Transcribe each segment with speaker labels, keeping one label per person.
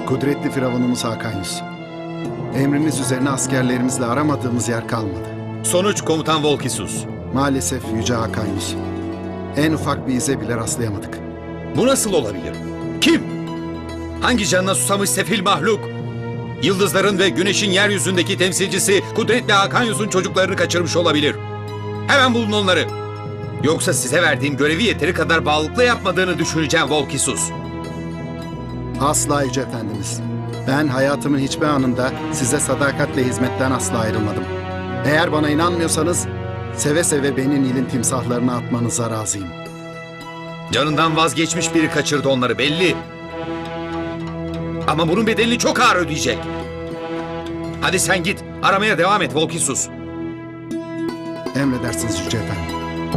Speaker 1: Kudretli Firavunumuz Hakan Yus. Emriniz üzerine askerlerimizle aramadığımız yer kalmadı.
Speaker 2: Sonuç Komutan Volkisus.
Speaker 1: Maalesef Yüce Hakan Yus. En ufak bir ize bile rastlayamadık.
Speaker 2: Bu nasıl olabilir? Kim? Hangi canına susamış sefil mahluk? Yıldızların ve güneşin yeryüzündeki temsilcisi Kudretli Hakan Yus'un çocuklarını kaçırmış olabilir. Hemen bulun onları. Yoksa size verdiğim görevi yeteri kadar bağlılıkla yapmadığını düşüneceğim Volkisus.
Speaker 1: Asla Yüce Efendimiz. Ben hayatımın hiçbir anında size sadakatle hizmetten asla ayrılmadım. Eğer bana inanmıyorsanız seve seve beni Nil'in timsahlarına atmanıza razıyım.
Speaker 2: Canından vazgeçmiş biri kaçırdı onları belli. Ama bunun bedelini çok ağır ödeyecek. Hadi sen git, aramaya devam et Volkisus.
Speaker 1: Emredersiniz Yüce Efendim.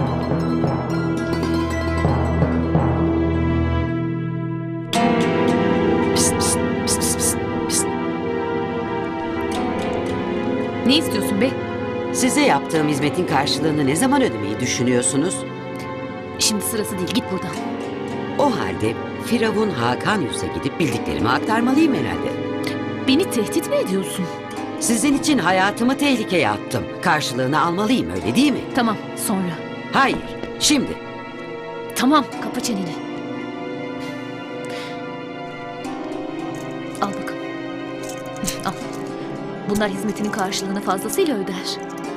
Speaker 3: Ne istiyorsun be?
Speaker 4: Size yaptığım hizmetin karşılığını ne zaman ödemeyi düşünüyorsunuz?
Speaker 3: Şimdi sırası değil, git buradan.
Speaker 4: O halde Firavun Hakan Yus'a gidip bildiklerimi aktarmalıyım herhalde.
Speaker 3: Beni tehdit mi ediyorsun?
Speaker 4: Sizin için hayatımı tehlikeye attım. Karşılığını almalıyım, öyle değil mi?
Speaker 3: Tamam, sonra.
Speaker 4: Hayır, şimdi.
Speaker 3: Tamam, kapa çeneni. Al bakalım. Al. Bunlar hizmetinin karşılığını fazlasıyla öder.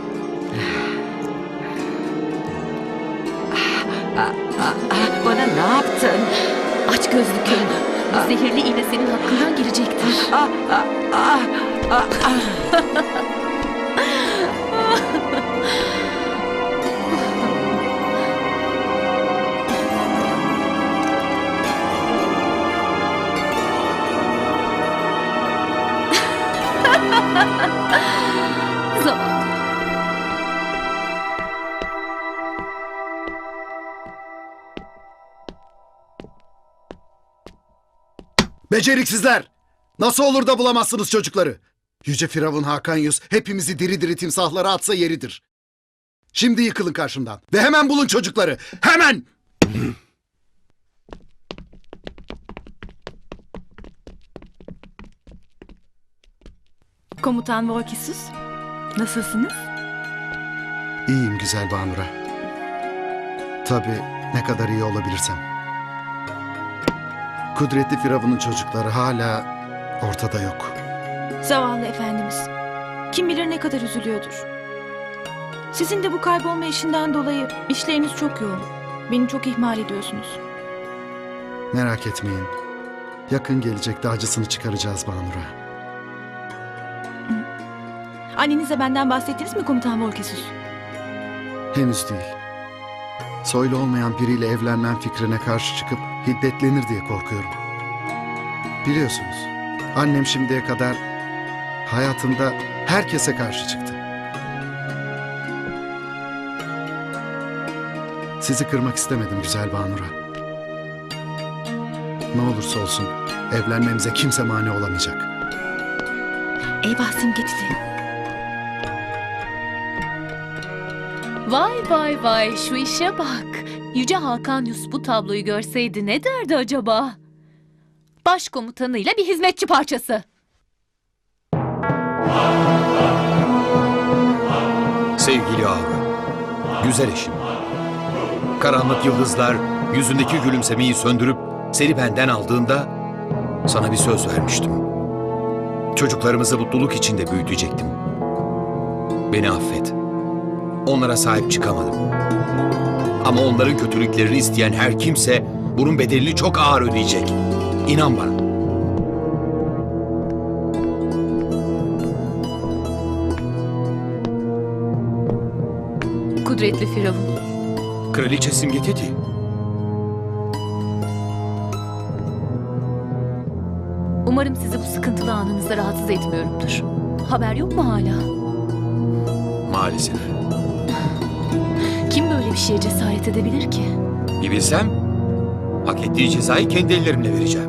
Speaker 4: Bana ne yaptın?
Speaker 3: Aç gözlü köy. Bu zehirli iğne senin hakkından gelecektir. Zavallı.
Speaker 1: Beceriksizler! Nasıl olur da bulamazsınız çocukları? Yüce Firavun Hakan Yus hepimizi diri diri timsahlara atsa yeridir. Şimdi yıkılın karşımdan ve hemen bulun çocukları. Hemen!
Speaker 5: Komutan Volkisus, nasılsınız?
Speaker 1: İyiyim güzel Banura. Tabii ne kadar iyi olabilirsem. Kudretli Firavun'un çocukları hala ortada yok.
Speaker 5: Zavallı efendimiz. Kim bilir ne kadar üzülüyordur. Sizin de bu kaybolma işinden dolayı işleriniz çok yoğun. Beni çok ihmal ediyorsunuz.
Speaker 1: Merak etmeyin. Yakın gelecekte acısını çıkaracağız Banura.
Speaker 5: Annenize benden bahsettiniz mi Komutan Volkisus?
Speaker 1: Henüz değil. Soylu olmayan biriyle evlenmem fikrine karşı çıkıp hiddetlenir diye korkuyorum. Biliyorsunuz, annem şimdiye kadar hayatında herkese karşı çıktı. Sizi kırmak istemedim güzel Banura. Ne olursa olsun evlenmemize kimse mani olamayacak.
Speaker 5: Eyvah Simgecili.
Speaker 3: Vay vay vay, şu işe bak. Yüce Hakan Yus bu tabloyu görseydi ne derdi acaba? Başkomutanıyla bir hizmetçi parçası.
Speaker 2: Sevgili Aura, güzel eşim. Karanlık yıldızlar yüzündeki gülümsemeyi söndürüp seni benden aldığında sana bir söz vermiştim. Çocuklarımızı mutluluk içinde büyütecektim. Beni affet. Onlara sahip çıkamadım. Ama onların kötülüklerini isteyen her kimse bunun bedelini çok ağır ödeyecek. İnan bana.
Speaker 3: Kudretli Firavun.
Speaker 2: Kraliçe Simgeteti.
Speaker 3: Umarım sizi bu sıkıntılı anınızda rahatsız etmiyorumdur. Haber yok mu hala?
Speaker 2: Maalesef.
Speaker 3: Kim böyle bir şeye cesaret edebilir ki?
Speaker 2: Bir bilsem, hak ettiği cezayı kendi ellerimle vereceğim.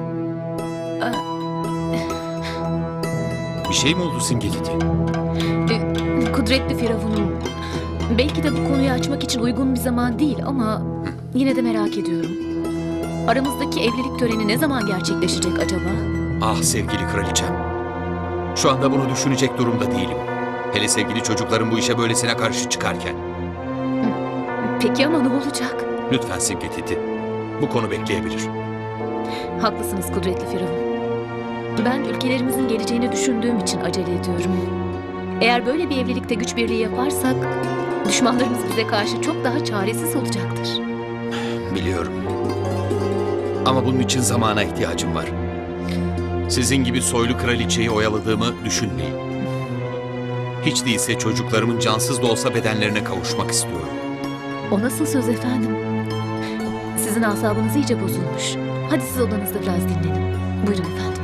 Speaker 2: Bir şey mi oldu Simgeteti?
Speaker 3: Kudretli Firavun'um. Belki de bu konuyu açmak için uygun bir zaman değil ama yine de merak ediyorum. Aramızdaki evlilik töreni ne zaman gerçekleşecek acaba?
Speaker 2: Ah sevgili kraliçem. Şu anda bunu düşünecek durumda değilim. Hele sevgili çocukların bu işe böylesine karşı çıkarken.
Speaker 3: Peki ama ne olacak?
Speaker 2: Lütfen Simge Titi. Bu konu bekleyebilir.
Speaker 3: Haklısınız kudretli Firavun. Ben ülkelerimizin geleceğini düşündüğüm için acele ediyorum. Eğer böyle bir evlilikte güç birliği yaparsak, düşmanlarımız bize karşı çok daha çaresiz olacaktır.
Speaker 2: Biliyorum. Ama bunun için zamana ihtiyacım var. Sizin gibi soylu kraliçeyi oyaladığımı düşünmeyin. Hiç değilse çocuklarımın cansız da olsa bedenlerine kavuşmak istiyorum.
Speaker 3: O nasıl söz efendim? Sizin asabınız iyice bozulmuş. Hadi siz odanızda biraz dinlenin. Buyurun efendim.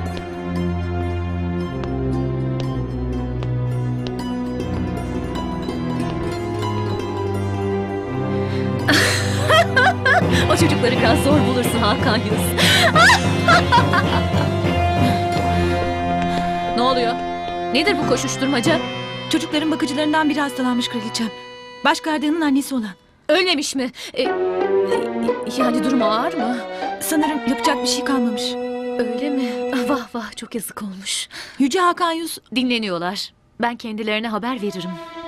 Speaker 3: O çocukları biraz zor bulursun Hakan Yus. Ne oluyor? Nedir bu koşuşturmaca?
Speaker 5: Çocukların bakıcılarından biri hastalanmış kraliçem. Baş gardiyanın annesi olan.
Speaker 3: Ölmemiş mi? Yani durumu ağır mı?
Speaker 5: Sanırım yapacak bir şey kalmamış.
Speaker 3: Öyle mi? Ah, vah vah çok yazık olmuş.
Speaker 5: Yüce Hakan Yus
Speaker 3: Dinleniyorlar. Ben kendilerine haber veririm.